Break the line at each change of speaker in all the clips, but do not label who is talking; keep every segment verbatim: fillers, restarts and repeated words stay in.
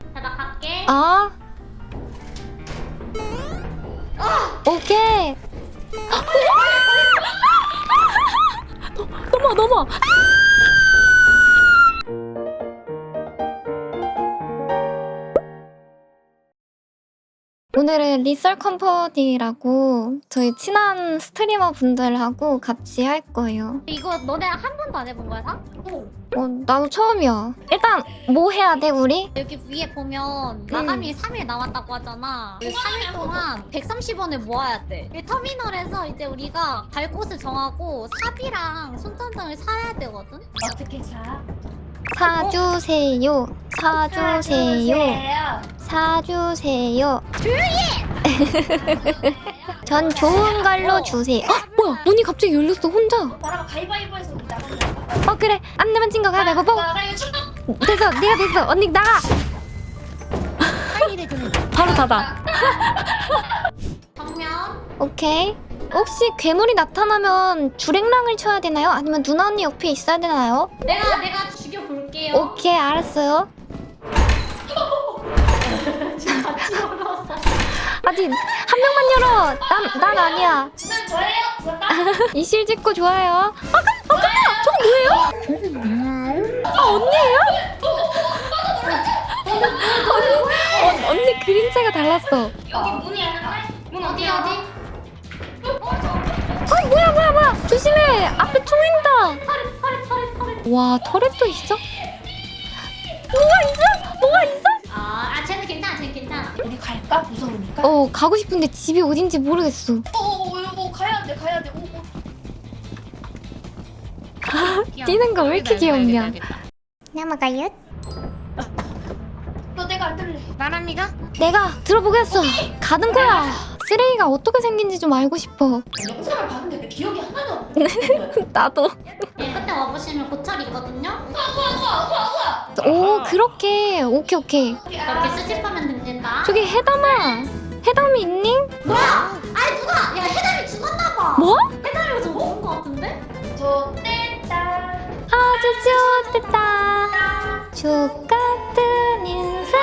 자, 나 갈게.
아. 오케이. 넘어 넘어. 오늘은 리썰 컴퍼니라고 저희 친한 스트리머 분들하고 같이 할 거예요.
이거 너네 한 번도 안 해본 거야, 사?
어, 나도 처음이야. 일단 뭐 해야 돼 우리?
여기 위에 보면 마감이 삼 일 남았다고 하잖아. 삼 일 동안 백삼십 원을 모아야 돼. 이 터미널에서 이제 우리가 갈 곳을 정하고 삽이랑 손전등을 사야 되거든?
어떻게 자?
사주세요. 사주세요. 사주세요. 전 좋은 걸로 주세요. 어? 뭐야? 문이 갑자기 열렸어 혼자.
나랑 가위바위보해서 우리 나간다.
어 그래. 안 내면 진 거 가위바위보.
나가요 출동.
됐어. 내가 됐어. 언니 나가.
할 일을 드는 거.
바로 닫아.
정면.
오케이. 혹시 괴물이 나타나면 주랭랑을 쳐야 되나요? 아니면 누나 언니 옆에 있어야 되나요?
내가 내가 죽여볼게요.
오케이 알았어요.
지금 같이 올라왔어.
아직 한 명만 열어. 난, 난 아니야.
주선 저예요. 부었다.
이실 짓고 좋아요. 아, 깜, 아 깜짝이야. 저거 뭐예요? 아 언니예요? 언니, 언니 그림체가 달랐어.
여기 문이 열렸네. 문
어디
어디야?
어디?
아 뭐야 뭐야 뭐야. 조심해. 앞에 총 있다.
터렛 터렛 터렛 터렛.
와 터렛도 있어? 뭐가 있어? 뭐가 있어?
아, 아 쟤는 괜찮아, 쟤는 괜찮아.
우리 갈까? 무서우니까.
어 가고 싶은데 집이 어딘지 모르겠어.
오오오 가야 돼 가야 돼. 오 오.
뛰는 거 왜 이렇게 귀엽냐? 넘어가요?
너 내가 안 들래.
나람이가?
내가 들어보겠어. 가는 거야. 쓰레기가 어떻게 생긴지 좀 알고 싶어.
영상을 봤는데 내 기억이 하나도 안 나.
나도.
예, 끝에 와보시면 고철 있거든요?
오 그렇게. 오케이 오케이.
이렇게 수집하면 됩니다.
저기 해담아. 해담이 있니?
뭐야? 아니 누가? 야 해담이 죽었나봐.
뭐?
해담이가 저 죽은 거 같은데?
저 뗐다.
아주 좋았다. 죽 같은 인생.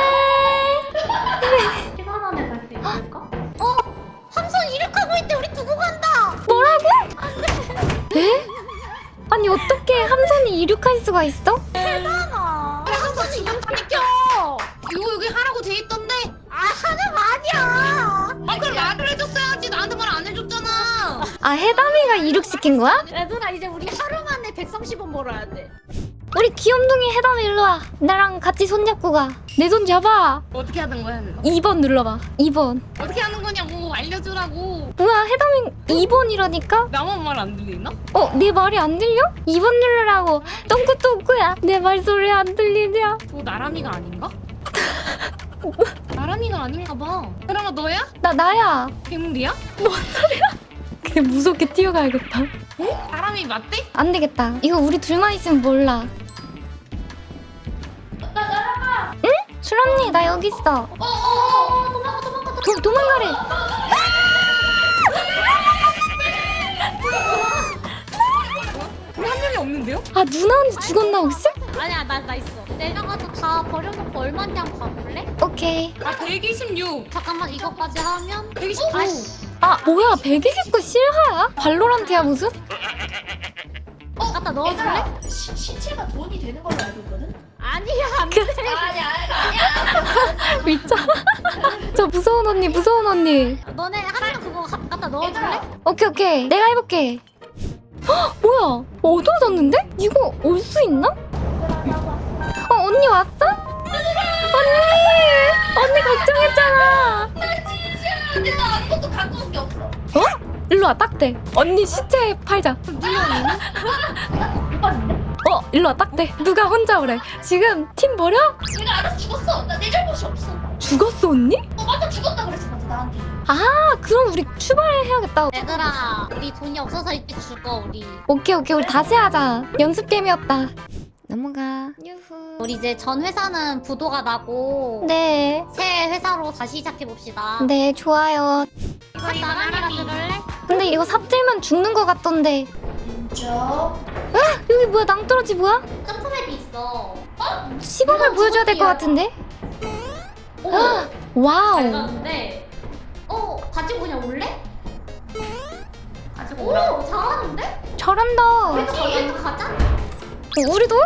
시간 안에 갈 수 있을까? 어? 함선 이륙하고 있대. 우리 두고 간다.
뭐라고? 에? 아니 어떻게 함선이 이륙할 수가 있어?
해담아. 함선이 이륙하니까.
이거 여기 하라고 돼 있던데.
아 하는 거 아니야.
아 그럼 말을 해줬어야지. 나한테 말 안 해줬잖아.
아 해담이가 이륙시킨 거야?
얘들아 이제 우리 하루 만에 백삼십 원 벌어야 돼.
우리 귀염둥이 해담이 일로 와. 나랑 같이 손잡고 가. 내 손 잡아.
어떻게 하는 거야? 이거?
이 번 눌러봐. 이 번.
어떻게 하는 거냐고 알려주라고.
뭐야 해담이 이 번이라니까?
나만 말 안 들리나?
어? 내 말이 안 들려? 이 번 누르라고. 똥꾸똥꾸야. 내 말소리 안 들리냐?
저 나람이가 아닌가? 나람이가 아닌가 봐. 그러면 너야?
나 나야.
괴물이야?
그냥 무섭게 뛰어가야겠다.
나람이 맞대?
안 되겠다. 이거 우리 둘만 있으면 몰라.
나 날아가.
술 언니 나 여기 있어.
어어어 도망가 도망가.
도, 도망가래.
우리 한 명이 없는데요?
아 누나 언니 죽었나 혹시?
아니야 나 나 있어. 내려가서 다 버려놓고 얼마냐고 가볼래?
오케이.
아 백이십육.
잠깐만 이거까지 하면
백이십구.
아씨
아 뭐야 백이십구 실화야? 발로란트야 무슨?
갖다 넣어줄래?
얘들아 시, 시체가 돈이 되는 걸로 알고 있거든.
아니야 안돼.
아니 아니 아니야.
미쳐. 저 무서운 언니 무서운 언니.
너네 하나는 그거 가- 갖다 넣어줄래?
오케이 오케이 내가 해볼게. 헉 뭐야 어두워졌는데? 이거 올 수 있나? 어 언니 왔어? 언니 언니 걱정했잖아.
근데 나 아무것도 갖고 온 게 없어.
어? 일로 와 딱대. 언니 시체 팔자.
못 봤는데?
어 일로 와 딱대. 누가 혼자 오래. 지금 팀 버려?
내가 알아서 죽었어. 나 내 잘못이 없어.
죽었어 언니?
어 맞아 죽었다 그랬어 맞아 나한테.
아 그럼 우리 출발해야겠다.
얘들아 우리 돈이 없어서 이때 죽어 우리.
오케이 오케이 우리 다시 하자. 연습 게임이었다. 넘어가. 유후.
우리 이제 전 회사는 부도가 나고
네.
새 회사로 다시 시작해 봅시다.
네 좋아요.
이거 나랑이랑 들을래?
근데 이거 삽질면 죽는 거 같던데.
저
여기 뭐야 낭떠러지 뭐야?
점프맵이 있어.
시범을
이거
보여줘야 될 것
저기야.
같은데?
잘
와우.
가는데. 어 가지고 그냥 올래?
가지고 오라.
오 잘하는데?
잘한다.
우리도 가자. 가자.
어, 우리도?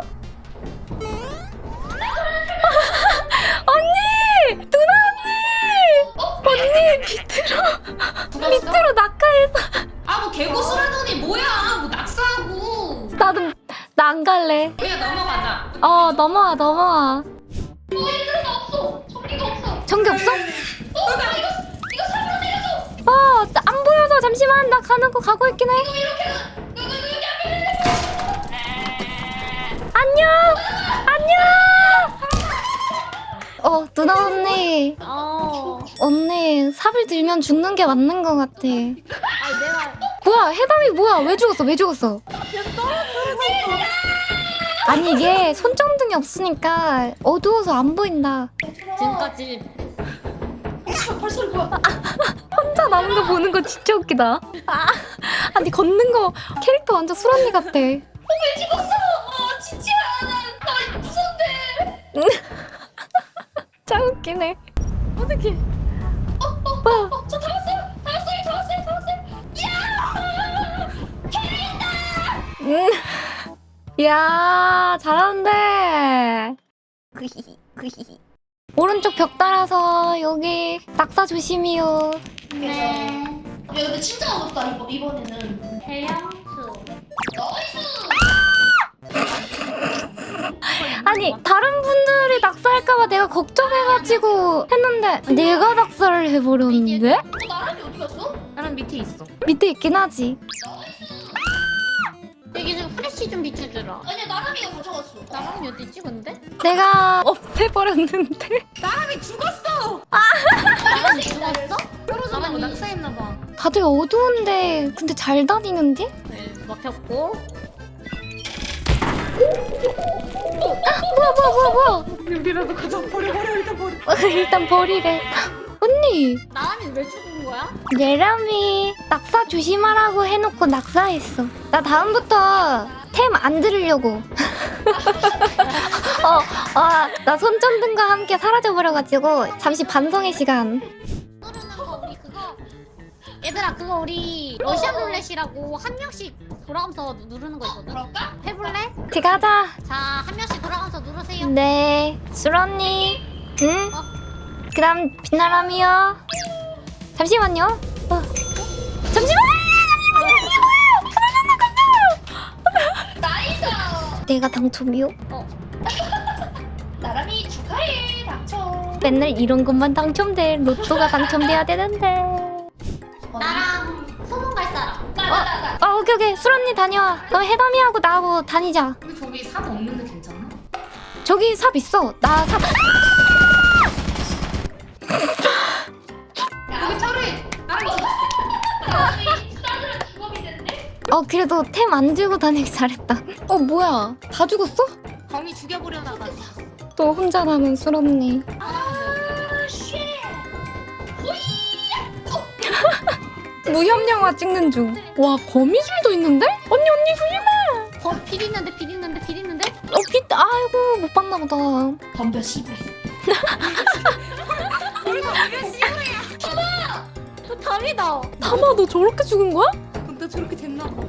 언니! 누나 언니! 언니 밑으로 밑으로 낙하해서
아뭐 개고 쓰라더니 뭐야? 뭐 낙서하고.
나도 나 안 갈래.
우리가 넘어가자.
어 넘어와 넘어와.
얘들아 없어. 전기가 없어.
전기 없어?
어, 나 이거 이거 사으로 내려줘.
어, 나 안 보여서 잠시만 나 가는 거 가고 있긴 해.
이거 이렇게 이거 이거 이렇게 하면
안녕 안녕. 어 누나 언니
어.
언니 삽을 들면 죽는 게 맞는 거 같아.
아니 내가
뭐야 해담이 뭐야 왜 죽었어 왜 죽었어? 아니 이게 손전등이 없으니까 어두워서 안 보인다.
지금까지
어, 벌써 뭐야?
혼자 남은 거 보는 거 진짜 웃기다. 아, 아니 걷는 거 캐릭터 완전 수런니 같아.
왜 찍었어? 어, 진짜 나나 무서운데.
짱 웃기네.
어떻게?
와,
어, 저 잡았어요. 잡았어요. 잡았어요. 잡았어요. 야!
음, 이야 잘하는데. 오른쪽 벽 따라서 여기 낙사 조심이요.
네.
야, 근데 진짜 어렵다 이번 이번에는.
해양수.
나이스.
아니 다른 분들이 낙사할까봐 내가 걱정해가지고 했는데 내가 낙사를 해버렸는데?
어, 나란히 어디 갔어?
나랑 밑에 있어.
밑에 있긴 하지.
여기 좀 프레쉬 좀 비춰주라.
아니야, 나란히가 가져갔어.
나랑이 어디 있지 근데?
내가 없애버렸는데.
나랑이 죽었어.
나랑이 죽었어?
나랑 낙서했나봐.
다들 어두운데 근데 잘 다니는데?
네 먹혔고.
뭐야 뭐야 뭐야 뭐야.
우리라도 가져 버려 버려 일단 버려.
어, 일단 버리래. 언니
나랑이 왜 죽은 거야?
예람이 낙사 조심하라고 해놓고 낙사했어. 나 다음부터 템 안 들으려고. 어, 아, 나 손전등과 함께 사라져버려가지고 잠시 반성의 시간.
누르는 거 우리 그거. 얘들아 그거 우리 러시안 룰렛이라고 한 명씩 돌아가면서 누르는 거 있거든.
그럴까?
해볼래?
제가 하자.
자 한 명씩 돌아가면서 누르세요.
네, 수런니. 응?
어.
그다음 빛나람이요. 잠시만요. 어. 잠시만.
나이스.
내가 당첨이요?
나란히 축하해. 당첨.
맨날 이런 것만 당첨돼. 로또가 당첨돼야 되는데.
나랑 소문 갈 사람.
나나 나.
아 오케이 오케이. 수런니 다녀와. 그럼 해담이하고 나하고 다니자.
우리 저기 삽 없는데 괜찮아?
저기 삽 있어. 나 삽.
여기 차례. 나랑
나란히 싸늘한 주먹이 됐네.
어 그래도 템 안 들고 다니기 잘했다. 어 뭐야? 다 죽었어?
범이 죽여버려다가.
또 혼자 남은 수런니.
아, 쉣.
무협영화 찍는 중. 와 거미줄도 있는데? 언니 언니 조심해.
어, 빌 있는데 빌 있는데 빌 있는데?
어 빛. 아이고 못 봤나 보다.
덤벼 씨발.
우리가 왜 씨부야?
저 다리다.
타마 너 저렇게 죽은 거야?
나 저렇게 됐나 봐.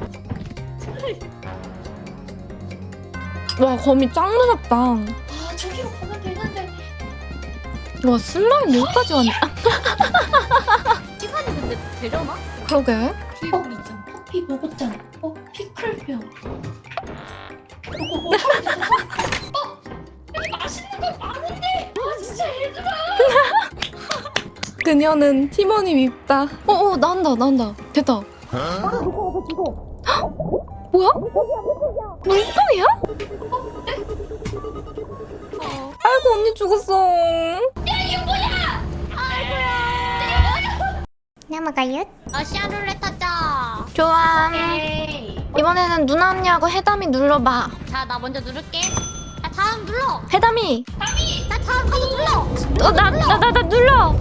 와 거미 짱 무섭다.
아, 저기로 가면 되는데.
와 슬라임 여기까지 왔네.
시간이 근데 되려나?
그러게.
피부리 있잖아.
커피 먹었잖아. 어, 피클병. 어, 어, 어, 어, 여기 맛있는 거 많은데. 아, 진짜 얘들아.
그녀는 팀원이 밉다. 어어 나온다 나온다. 됐다. 뭐야? 물속이야?
어.
아이고 언니 죽었어. 넘어가요?
러시안 룰렛 하자.
좋아.
오케이.
이번에는 누나 언니하고 해담이 눌러봐.
자, 나 먼저 누를게. 자, 다음 눌러.
해담이.
자, 다음 가서 눌러.
어 나 나 나 나 눌러.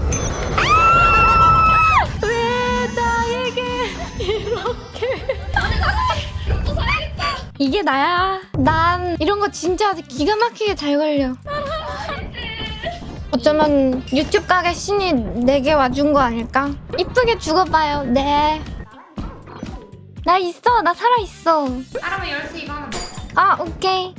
왜 나에게 이렇게? 이게 나야. 난 이런 거 진짜 기가 막히게 잘 걸려. 어쩌면 유튜브 가게 신이 내게 와준 거 아닐까? 이쁘게 죽어봐요. 네. 나 있어. 나 살아있어.
사람은 열쇠 이거 하나 먹어.
아, 오케이.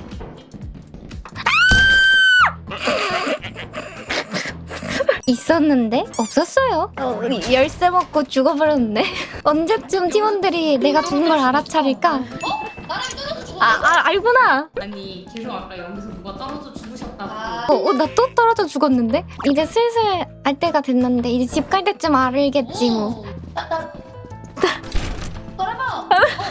있었는데? 없었어요. 어, 열쇠 먹고 죽어버렸네. 언제쯤 팀원들이 내가 죽은 걸 알아차릴까?
나랑 떨어져 죽어.
아, 아 알구나.
아니 계속 아까 여기서 누가 떨어져 죽으셨다고.
아.
어, 어, 나 또 떨어져 죽었는데? 이제 슬슬 알 때가 됐는데 이제 집 갈 때쯤 알겠지 뭐.
나, 나. 돌아봐.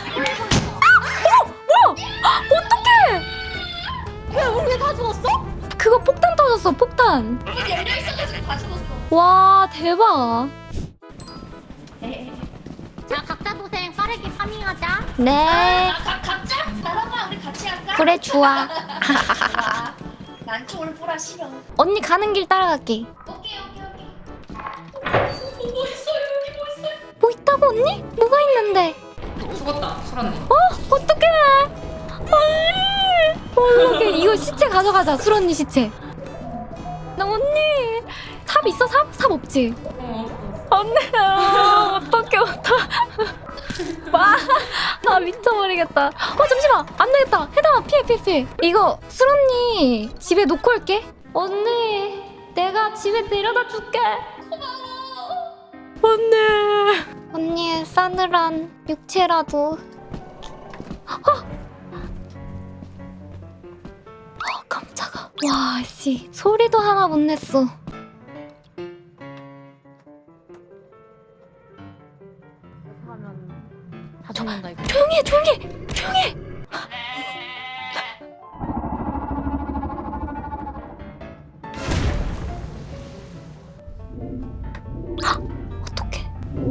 어떡해!
야 우리 왜 다 죽었어?
그거 폭탄 터졌어, 폭탄.
문 열려 있어가지고 다 죽었어.
와, 대박.
에이.
자 각자 도생 빠르게 파밍하자.
네.
아, 가, 각자? 나랑아 우리 같이 할까?
그래, 좋아.
좋아. 난 총을 뿌라 싫어.
언니 가는 길 따라갈게.
오케이 오케이 오케이. 어, 뭐 있어요 여기 뭐 있어요?
뭐 있다고, 언니? 뭐가 있는데?
죽었다 수란님.
어? 어떡해! 언니! 어떡해. 이거 시체 가져가자, 술 언니 시체. 나 언니! 삽 있어, 삽? 삽 없지?
어.
언니야, 어떡해, 어떡해. 와, 아, 미쳐버리겠다. 어, 잠시만! 안 되겠다! 해당아, 피해, 피해, 피해. 이거, 술 언니 집에 놓고 올게. 언니, 내가 집에 데려다 줄게. 언니. 언니의 싸늘한 육체라도. 어! 어, 깜짝아. 와, 씨. 소리도 하나 못 냈어.
하면 다 죽는다 이거.
조용히 해, 조용히 해! 조용히 해! 헉! 어떡해.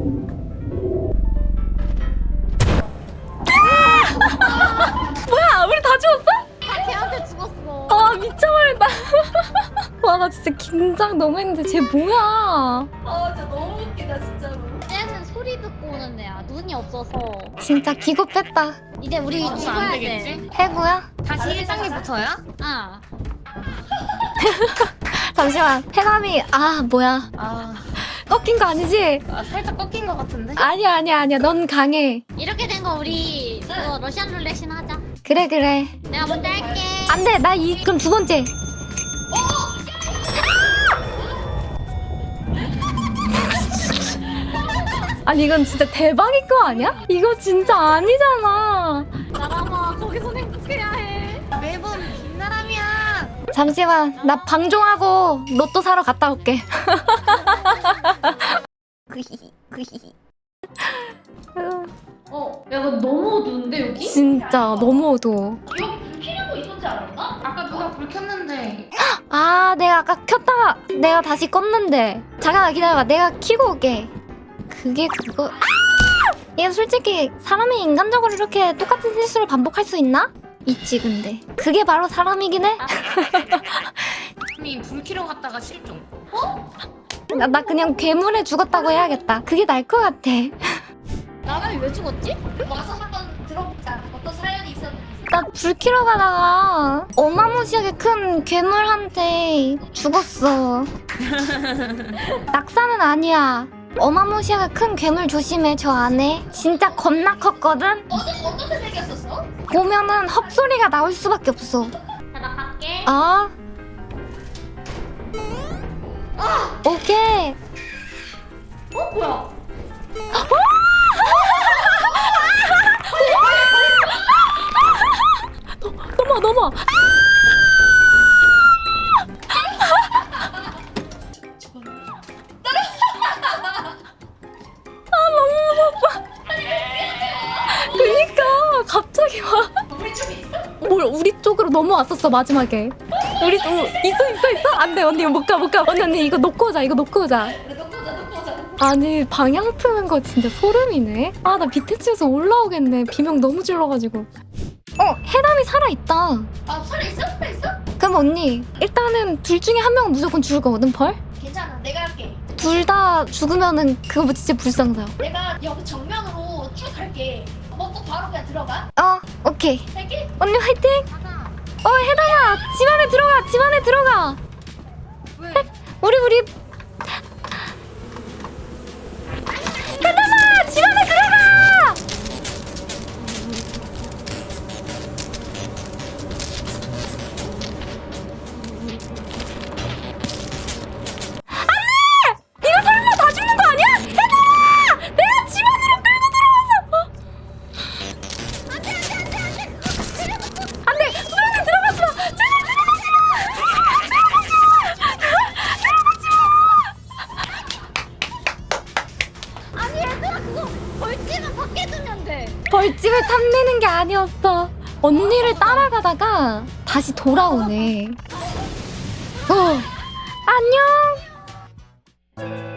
뭐야, 우리 다 죽었어?
다 걔한테 죽었어.
아, 미쳐버린다. 와, 나 진짜 긴장 너무 했는데 쟤 뭐야?
아 진짜 너무 웃기다 진짜로.
쟤는 소리 듣고 오는 애야. 눈이 없어서.
진짜 기겁했다.
이제 우리
이거 안
죽어야 돼.
되겠지?
해구야?
다시 일 단계부터야?
아.
잠시만. 해남이 아 뭐야?
아,
꺾인 거 아니지?
아 살짝 꺾인 것 같은데?
아니야 아니야 아니야. 넌 강해.
이렇게 된 거 우리 그거 러시안 룰렛이나 하자.
그래 그래.
내가 먼저 할게.
안돼. 나 이 그럼 두 번째. 아니 이건 진짜 대박인 거 아니야? 이거 진짜 아니잖아.
나라마 거기서 행복해야 해. 매번 빛나람이야.
잠시만. 나 방종하고 로또 사러 갔다 올게.
어, 야 이거 너무 어두운데 여기?
진짜 너무 어두워.
여기 불 켜는 거 있었지 않았나?
아까 누가 불 켰는데.
아 내가 아까 켰다가 내가 다시 껐는데. 잠깐만 기다려봐. 내가 켜고 올게. 그게 그거. 아! 이게 솔직히 사람이 인간적으로 이렇게 똑같은 실수를 반복할 수 있나? 있지 근데. 그게 바로 사람이긴 해.
이미 불 켜러 갔다가 실종.
나, 나 그냥 괴물에 죽었다고 해야겠다. 그게 나을 것 같아.
나람이 왜 죽었지?
와서 한번 들어보자. 어떤 사연이 있었는지.
나 불 켜러 가다가 어마무시하게 큰 괴물한테 죽었어. 낙사는 아니야. 어마무시하게 큰 괴물 조심해. 저 안에 진짜 겁나 컸거든.
어떤 어떻게 생겼었어?
보면은 헛소리가 나올 수밖에 없어.
자, 나 갈게.
어? 오케이.
어 뭐야?
넘어 넘어. 그니까 갑자기 와.
우리 쪽에 있어?
뭘 우리 쪽으로 넘어왔었어 마지막에. 우리 어, 있어 있어 있어. 안돼 언니 못 가 못 가. 언니 언니 이거 놓고 오자 이거 놓고 오자.
그래 놓고 오자 놓고 오자.
아니 방향 트는 거 진짜 소름이네. 아 나 밑에 치에서 올라오겠네. 비명 너무 질러가지고. 어 해담이 살아 있다.
아 살아 있어? 살아 있어?
그럼 언니 일단은 둘 중에 한 명은 무조건 죽을 거거든 벌.
괜찮아 내가 할게.
둘 다 죽으면은 그거 진짜 불상사.
내가 여기 정면으로 쭉 갈게. 먹고 바로 그냥 들어가.
어 오케이.
할게.
언니 화이팅.
가자.
어 해담아 집 안에 들어가 집 안에 들어가. 우리 우리 얘들아 집 안에 들어가. 안돼! 이거 설마 다 죽는 거 아니야? 얘들아! 내가 집 안으로 끌고 들어와서. 안돼 안돼 안돼 안돼. 안돼 수정아 들어가지 마. 제발 들어가지 마.
아니 얘들아 그거 벌집은 밖에 두면 돼.
벌집을 탐내는 게 아니었어. 언니를 따라가다가 다시 돌아오네. 어, 안녕.